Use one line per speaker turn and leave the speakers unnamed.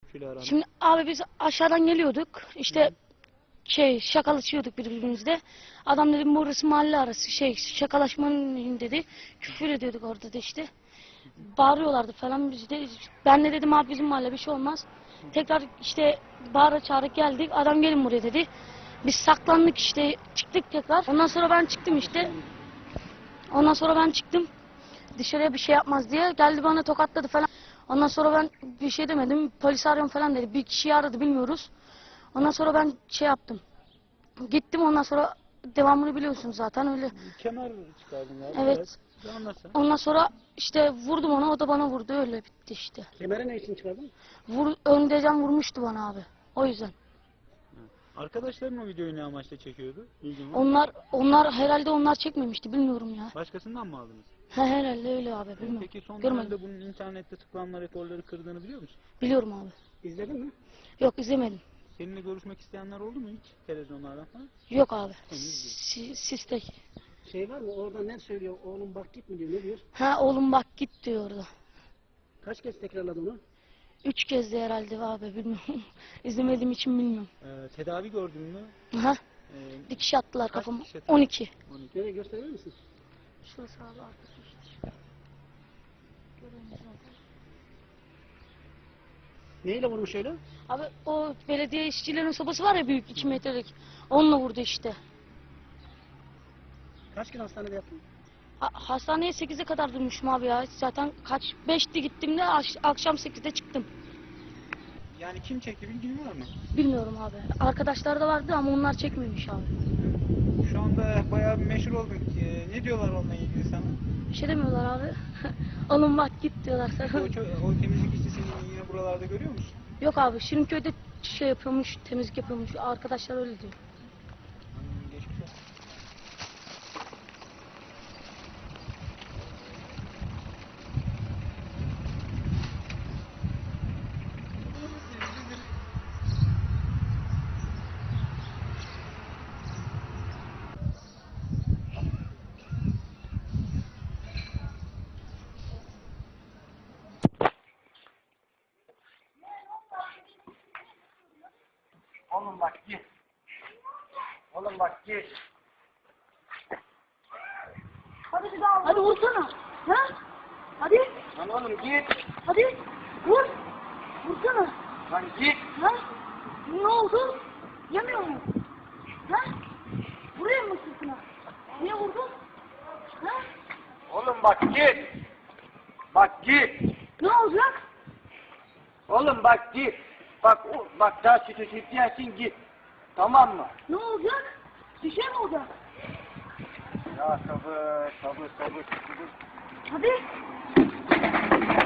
Şimdi abi biz aşağıdan geliyorduk. İşte şakalaşıyorduk birbirimizle. Adam dedi burası mahalle arası şakalaşmanın dedi. Küfür ediyorduk orada da işte. Bağırıyorlardı falan biz de. Ben de dedim abi bizim mahalle bir şey olmaz. Tekrar işte bağıra çağıra geldik. Adam gelin buraya dedi. Biz saklandık işte çıktık tekrar. Ondan sonra ben çıktım işte. Ondan sonra ben çıktım. Dışarıya bir şey yapmaz diye. Geldi bana tokatladı falan. Ondan sonra ben bir şey demedim. Polis arıyorum falan dedi. Bir kişiyi aradı bilmiyoruz. Ondan sonra ben şey yaptım. Gittim ondan sonra devamını biliyorsunuz zaten öyle.
Kemer çıkardın galiba.
Evet. Ondan sonra işte vurdum ona, o da bana vurdu, öyle bitti işte.
Kemeri ne için çıkardın?
Öndeyken vurmuştu bana abi. O yüzden.
Arkadaşların o videoyu ne amaçla çekiyordu?
Onlar herhalde onlar çekmemişti, bilmiyorum ya.
Başkasından mı aldınız?
Herhalde öyle abi, bilmiyorum.
Peki son
Görmedim.
dönemde bunun internette tıklanma rekorları kırdığını biliyor musun?
Biliyorum abi.
İzledin mi?
Yok, izlemedim.
Seninle görüşmek isteyenler oldu mu hiç televizyonlardan falan?
Yok abi. Siz tek.
Şey var mı orada ne söylüyor? Oğlum bak git mi diyor, ne diyor?
Ha oğlum bak git diyor orada.
Kaç kez tekrarladı onu?
3 kez de herhalde abi, bilmiyorum. İzlemediğim için bilmiyorum.
Tedavi gördün mü?
Ha? Dikiş attılar
Kaç
kafama.
dikiş attılar?
12.
Nereye gösterir misin?
Şurası abi arkası işte. Görüyorsunuz zaten.
Neyle vurmuş öyle?
Abi o belediye işçilerin sobası var ya, büyük 2 metrelik. Onunla vurdu işte.
Kaç gün hastanede yattın?
Hastaneye 8'e kadar durmuşum abi ya. Zaten 5'ti gittim de akşam 8'de çıktım.
Yani kim çekti bilgin var mı?
Bilmiyorum abi. Arkadaşlar da vardı ama onlar çekmemiş abi.
Şu anda bayağı bir meşhur oldun. Ne diyorlar onunla ilgili sana?
Bir şey demiyorlar abi. Oğlum bak git diyorlar sana.
O temizlik işçisini yine buralarda görüyor musun?
Yok abi, Şirinköy'de şey yapıyormuş, temizlik yapıyormuş. Arkadaşlar öyle diyor.
Geçmiş olsun.
Oğlum bak git. Oğlum bak git.
Hadi bir daha. Hadi vursana. Ha? Hadi.
Lan oğlum git.
Hadi. Vur. Vursana.
Lan git.
Ha? Ne oldu? Yemiyor mu? Ha? Buraya mı sırtına? Niye vurdun? Ha?
Oğlum bak git. Bak git.
Ne olacak?
Oğlum bak git. Bak daha sütüyorsun git. Tamam mı?
Ne olacak? Bir şey mi olacak?
Ya sabır.
Hadi.